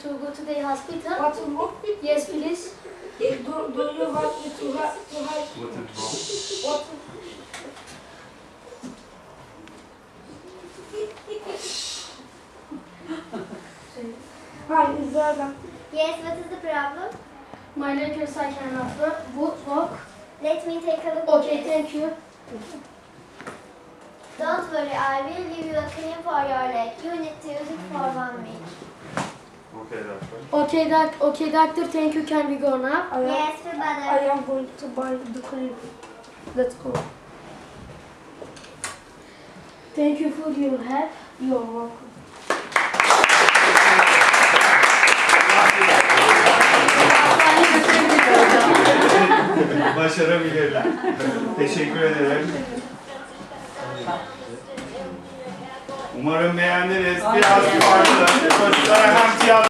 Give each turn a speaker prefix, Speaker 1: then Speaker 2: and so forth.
Speaker 1: to go to the hospital?
Speaker 2: What to do?
Speaker 1: Yes, please.
Speaker 2: Do you want me to have
Speaker 3: What is wrong?
Speaker 2: what? Hi, is that
Speaker 4: Yes, what is the problem?
Speaker 1: My leg is I cannot walk.
Speaker 4: Let me take a look.
Speaker 1: Okay, thank you.
Speaker 4: Don't worry, I will give you a cream for your leg. You need to use it for 1 week.
Speaker 3: Okay, doctor.
Speaker 1: Okay, doctor, thank you. Can we go now?
Speaker 4: Yes,
Speaker 2: I
Speaker 4: brother.
Speaker 2: am going to buy the cream. Let's go.
Speaker 1: Thank you for your help.
Speaker 2: You're welcome.
Speaker 3: Başarabilirler. Teşekkür ederim. Umarım beğendiniz. Biraz farklı. Çocuklara hem tiyatro